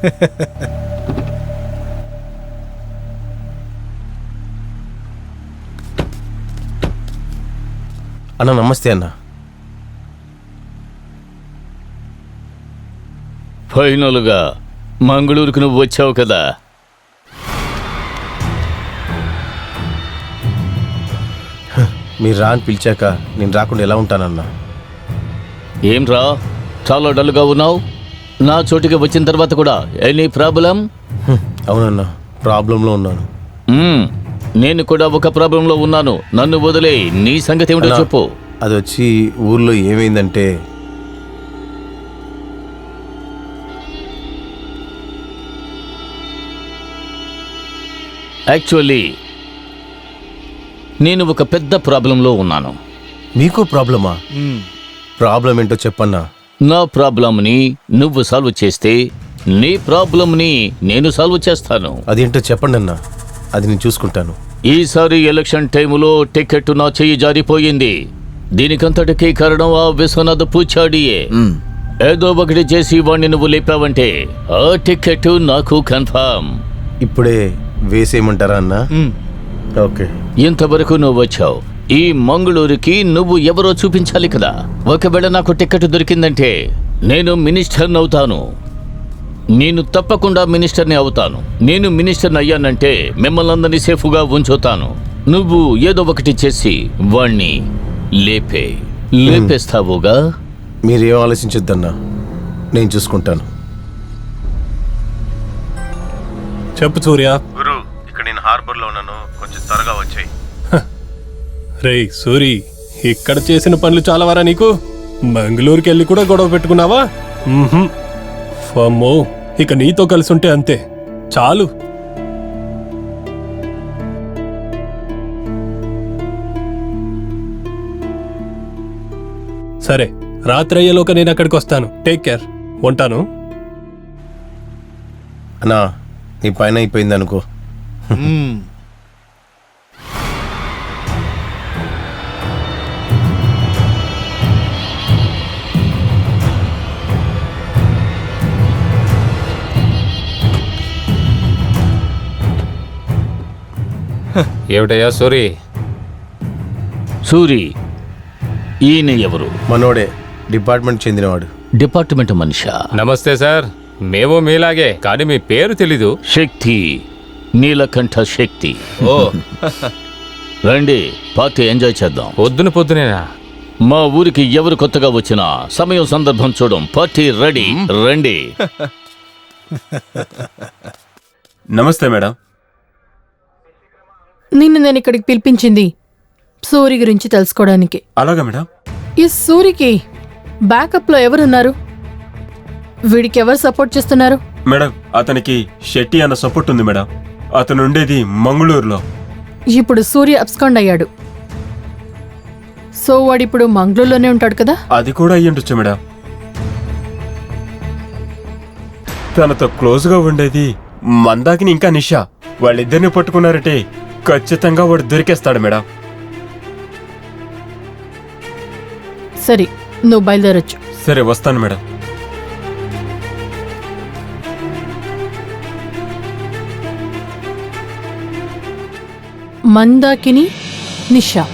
అన్న నమస్తే అన్న. ఫైనల్గా మంగళూరుకు నువ్వు వచ్చావు కదా. మీరు రా అని పిలిచాక నేను రాకుండా ఎలా ఉంటానన్నా? ఏం రా, చాలా డల్గా ఉన్నావు. నా చోటికి వచ్చిన తర్వాత కూడా ఎనీ ప్రాబ్లం? అవునన్నా, ప్రాబ్లంలో ఉన్నాను. నేను కూడా ఒక ప్రాబ్లంలో ఉన్నాను. నన్ను వదిలే, నీ సంగతి ఏమిటో చెప్పు. అది వచ్చి ఊర్లో ఏమైందంటే, యాక్చువల్లీ నేను ఒక పెద్ద ప్రాబ్లంలో ఉన్నాను. మీకు ప్రాబ్లమా? ప్రాబ్లం ఏంటో చెప్పన్నా. నా ప్రాబ్లంని నువ్వు సాల్వ్ చేస్తే నీ ప్రాబ్లంని నేను సాల్వ్ చేస్తాను. అదేంటో చెప్పండి అన్నా, అది నేను చూసుకుంటాను. ఈసారి ఎలక్షన్ టైములో టికెట్ నా చెయ్యి జారిపోయింది. దీనికంతటికీ కారణం ఆ విశ్వనాథ్ పూచాడియే. ఏదో ఒకటి చేసి వాణ్ణి నువ్వు లేపావంటే ఆ టికెట్ నాకు కన్ఫర్మ్. ఇప్పుడే వేసేయమంటారా అన్నా? ఓకే. ఇంతవరకు నువ్వు వచ్చావు. ఈ మంగళూరుకి నువ్వు ఎవరో చూపించాలి కదా. ఒకవేళ నాకు టికెట్ దొరికిందంటే నేను మినిస్టర్ని అవుతాను. నేను తప్పకుండా మినిస్టర్ని అవుతాను. నేను మినిస్టర్ని అయ్యానంటే మిమ్మల్ని అందరినీ సేఫ్గా ఉంచుతాను. నువ్వు ఏదో ఒకటి చేసి వాణ్ణి లేపేస్తావుగా. మీరేం ఆలోచించొద్దన్నా, నేను చూసుకుంటాను. చెప్పు సూర్య. గురు, ఇక్కడ నేను హార్బర్లో ఉన్నాను, కొంచెం త్వరగా వచ్చాయి. రేయ్ సూరి, ఇక్కడ చేసిన పనులు చాలా వరా నీకు? మంగళూరుకి వెళ్ళి కూడా గొడవ పెట్టుకున్నావా? ఫమ్మో, ఇక నీతో కలిసి ఉంటే అంతే చాలు. సరే, రాత్రి అయ్యేలోక నేను అక్కడికి వస్తాను. Take care. ఉంటాను. అన్నా, నీ పైన అయిపోయింది అనుకో. ఏమిటయ్యా సూరి? సూరి, ఈయన ఎవరు? మనోడే, డిపార్ట్మెంట్ చెందినవాడు. డిపార్ట్మెంట్ మనిషా? నమస్తే సార్, మేము మీలాగే, కానీ మీ పేరు తెలీదు. శక్తి, నీలకంఠ శక్తి. ఓ రండి, పార్టీ ఎంజాయ్ చేద్దాం. పొద్దునేనా? మా ఊరికి ఎవరు కొత్తగా వచ్చినా సమయం సందర్భం చూడం. పార్టీ రెడీ, రండి. నమస్తే మేడం. నిన్ను నేను ఇక్కడికి పిలిపించింది సూరి గురించి తెలుసుకోవడానికి. అలాగా మేడం. ఈ సూరికి బ్యాకప్ లో ఎవరున్నారు? వీడికి ఎవరు సపోర్ట్ చేస్తున్నారు? మేడం, అతనికి శెట్టి అన్న సపోర్ట్ ఉంది మేడం. అతను ఉండేది మంగళూరులో. ఇప్పుడు సూర్య అబ్స్కాండ్ అయ్యాడు. సో వాడిప్పుడు మంగళూరులోనే ఉంటాడు కదా? అది కూడా అయ్యుండొచ్చు మేడం. తనతో క్లోజ్ గా ఉండేది మందాకిని ఇంకా నిషా. వాళ్ళిద్దరిని పట్టుకున్నారంటే ఖచ్చితంగా వాడు దొరికేస్తాడు మేడం. సరే, నువ్వు బయలుదేరొచ్చు. సరే, వస్తాను మేడం. మందాకిని, నిషా.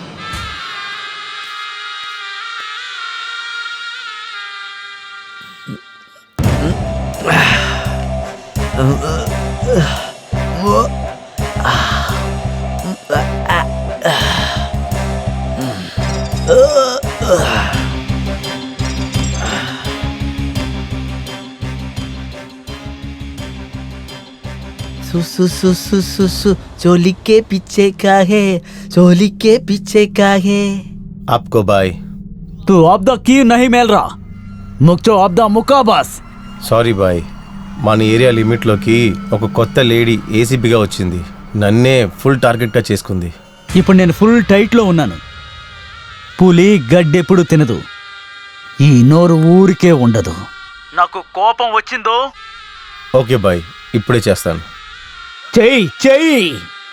चोली के पीछे का है, चोली के पीछे का है. आपको बाय. तू अब द की नहीं मिल रहा, मुक्चो अब द मुक्का बस. సారీ బాయ్, మన ఏరియా లిమిట్లోకి ఒక కొత్త లేడీ ఏసీపీగా వచ్చింది. నన్నే ఫుల్ టార్గెట్గా చేసుకుంది. ఇప్పుడు నేను ఫుల్ టైట్లో ఉన్నాను. పులి గడ్డెప్పుడు తినదు, ఈ నోరు ఊరికే ఉండదు. నాకు కోపం వచ్చిందో ఓకే బాయ్, ఇప్పుడే చేస్తాను. చెయ్యి చెయ్యి.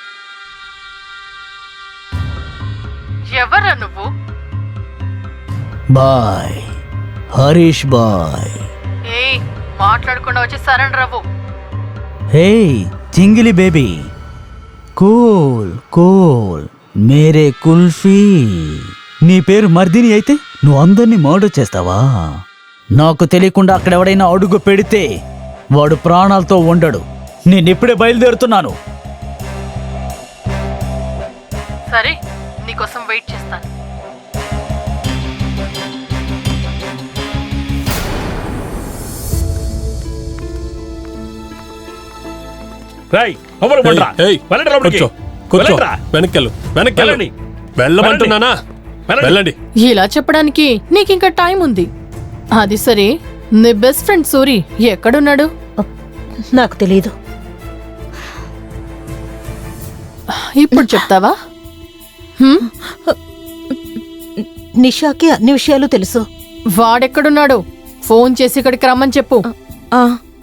ఎవరా నువ్వు? బాయ్, హరీష్ బాయ్. మాట్లాడకుండా వచ్చి సరెండర్ అవ్వు. హే జింగిలి బేబీ, కూల్ కూల్ మేరే కుల్ఫీ. నీ పేరు మర్దిని అయితే నువ్వు అందరినీ మర్డర్ చేస్తావా? నాకు తెలియకుండా అక్కడ ఎవడైనా అడుగు పెడితే వాడు ప్రాణాలతో ఉండడు. నేనిప్పుడే బయలుదేరుతున్నాను. సరే, నీకోసం వెయిట్ చేస్తాను. రేయ్, లోపలికి పండ్రా. ఏయ్, వెళ్ళండి లోపలికి. కూర్చో కూర్చో, వెళ్ళండ్రా. వెనక్కెళ్ళు వెళ్ళండి. వెళ్ళమంటున్నానా? వెళ్ళండి. ఇలా చెప్పడానికి నీకింకా టైం ఉంది. అది సరే, నీ బెస్ట్ ఫ్రెండ్ సూరి ఎక్కడున్నాడు? నాకు తెలియదు. ఇప్పుడు చెప్తావా? హ్మ్? నిషాకి అన్ని విషయాలు తెలుసు. వాడెక్కడున్నాడు? ఫోన్ చేసి ఇక్కడికి రమ్మని చెప్పు. ఆ,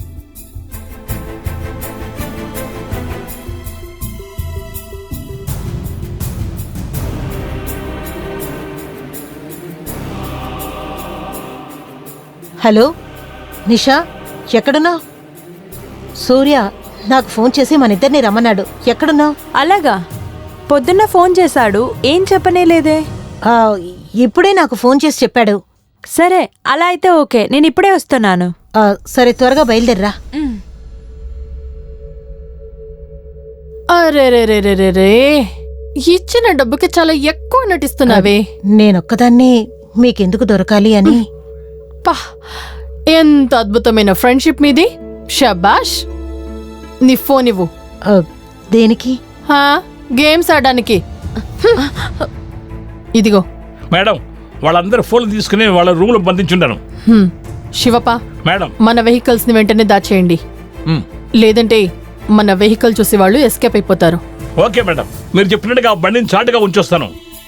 హలో నిషా, ఎక్కడున్నావు? సూర్య నాకు ఫోన్ చేసి మన ఇద్దరిని రమ్మన్నాడు. ఎక్కడున్నావు? అలాగా, పొద్దున్న ఫోన్ చేశాడు, ఏం చెప్పనే లేదే. ఇప్పుడే నాకు ఫోన్ చేసి చెప్పాడు. సరే, అలా అయితే ఓకే, నేను ఇప్పుడే వస్తున్నాను. సరే, త్వరగా బయలుదేర్రా. అరే, ఇచ్చిన డబ్బుకి చాలా ఎక్కువ నటిస్తున్నావే. నేనొక్కదాన్ని మీకెందుకు దొరకాలి అని. పా, ఎంత అద్భుతమైన ఫ్రెండ్షిప్ మీది. షబాష్. నీ ఫోన్ ఇవ్వు. దేనికి? గేమ్స్ ఆడడానికి. ఇదిగో. మేడం, వాళ్ళందరూ ఫోన్లు తీసుకుని వాళ్ళ రూమ్ లో బంధించుంటాను. శివప, మేడం, మన వెహికల్స్ ని వెంటనే దాచేయండి. లేదంటే మన వెహికల్ చూసి వాళ్ళు ఎస్కేప్ అయిపోతారు. ఓకే మేడం, మీరు చెప్పినట్టుగా బండిని చాటుగా ఉంచొస్తాను.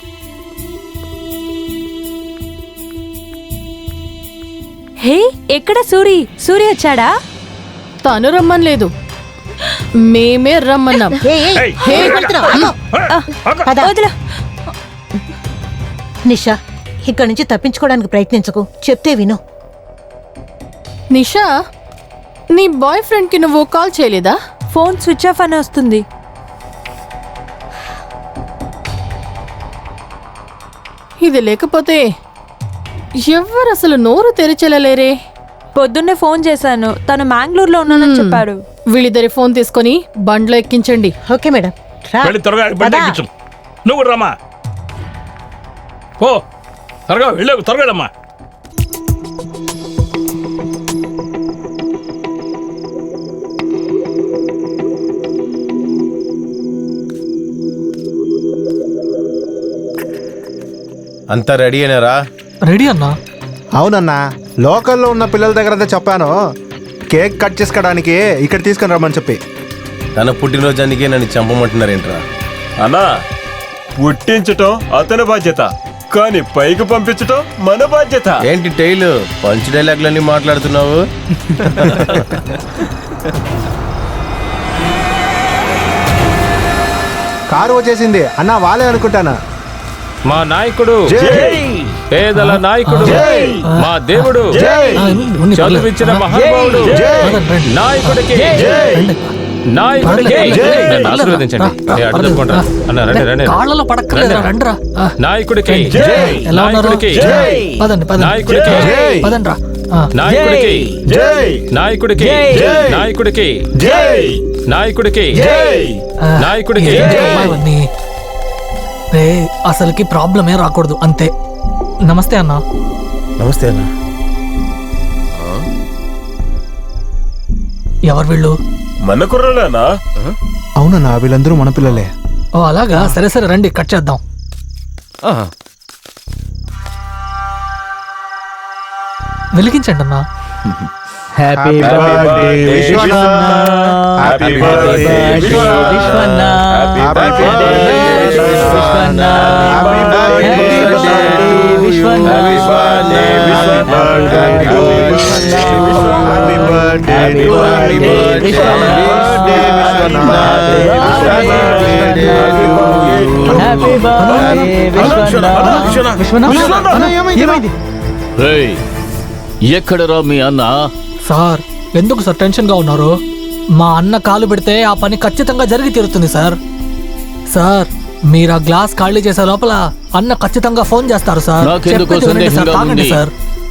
హే, ఎక్కడ సూరి? సూరి వచ్చాడా? తను రమ్మనలేదు, మేమే రమ్మన్నాం. ఏయ్, వదిలా. నిషా, ఇక్కడి నుంచి తప్పించుకోవడానికి ప్రయత్నించకు, చెప్తే విను. నిషా, నీ బాయ్ ఫ్రెండ్ కి నువ్వు కాల్ చేయలేదా? ఫోన్ స్విచ్ ఆఫ్ అని వస్తుంది. ఇది లేకపోతే ఎవ్వరు అసలు నోరు తెరిచెలలేరే. పొద్దున్నే ఫోన్ చేశాను, తను మ్యాంగ్లూర్లో ఉన్నానని చెప్పాడు. వీళ్ళిద్దరి ఫోన్ తీసుకొని బండ్లో ఎక్కించండి. ఓకే మేడం, రా. వెళ్ళి త్వరగా బండి ఎక్కించు. నువ్వు కూడా రమ్మా. ఓ త్వరగా వెళ్ళావు, త్వరగా వెళ్ళమ్మా. అంతా రెడీ అయినారా? రెడీ అన్నా. అవునన్నా, లోకల్లో ఉన్న పిల్లల దగ్గర చెప్పాను కేక్ కట్ చేసుకోవడానికి ఇక్కడ తీసుకుని రమ్మని చెప్పి. తన పుట్టినరోజానికే నన్ను చంపమంటున్నారేంట్రా? అన్నా, పుట్టించటం అతని బాధ్యత, కానీ పైకి పంపించటం మన బాధ్యత. ఏంటి టైలు పంచ్ డైలాగ్లన్నీ మాట్లాడుతున్నావు? కారు వచ్చేసింది అన్నా, వాళ్ళే అనుకుంటానా. మా నాయకుడు, పేదల నాయకుడు, మా దేవుడు, చదువిచ్చిన మహానుభావుడు, నాయకుడికి నాయకుడికి నన్ను ఆశీర్వదించండి. అడ్డు తప్పుకోండి అన్న, రండి రండి. కాళ్ళలో పడక్కలేదురా, రండిరా. నాయకుడికి ఎలా ఉన్నారు? నాయకుడికి పదండి పదండి. నాయకుడికి పదండి రా. నాయకుడికి నాయకుడికి నాయకుడికి నాయకుడికి నాయకుడికి ఇవన్నీ రే, అసలుకి ప్రాబ్లమే రాకూడదు అంతే. నమస్తే అన్నా. నమస్తే అన్న. ఎవరు వీళ్ళు? మన కుర్రలేనా? అవునన్నా, వీళ్ళందరూ మన పిల్లలే. ఓ అలాగా, సరే సరే రండి కట్ చేద్దాం. వెలిగించండి అన్నా. హ్యాపీ బర్త్డే విశ్వన్న, హ్యాపీ బర్త్డే విశ్వన్న, హ్యాపీ బర్త్డే విశ్వన్న, హ్యాపీ బర్త్డే విశ్వన్న, హ్యాపీ బర్త్డే విశ్వన్న, హ్యాపీ బర్త్డే విశ్వన్న, హ్యాపీ బర్త్డే విశ్వన్న. రేయ్, ఎక్కడరా మీ అన్న? సార్, ఎందుకు సార్ టెన్షన్గా ఉన్నారు? మా అన్న కాలు పెడితే ఆ పని ఖచ్చితంగా జరిగి తీరుతుంది సార్. సార్ మీరు ఆ గ్లాస్ ఖాళీ చేసే లోపల అన్న ఖచ్చితంగా ఫోన్ చేస్తారు సార్. నాకెందుకో చెప్పేది వినండి సార్, సందేహంగా తాగండి ఉంది. సార్.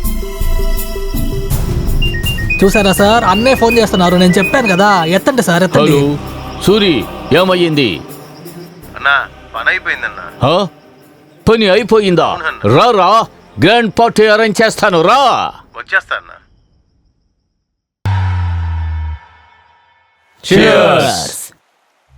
చూసారా సార్, అన్నే ఫోన్ చేస్తున్నారు. నేను చెప్పాను కదా, ఎత్తండి సార్, ఎత్తండి. హలో సూరి, ఏమయ్యింది? అన్నా పని అయిపోయిందన్నా. హా? పని అయిపోయిందా? రా రా, గ్రాండ్ పార్టీ అరేంజ్ చేస్తాను, రా. వచ్చేస్తా అన్నా. Cheers.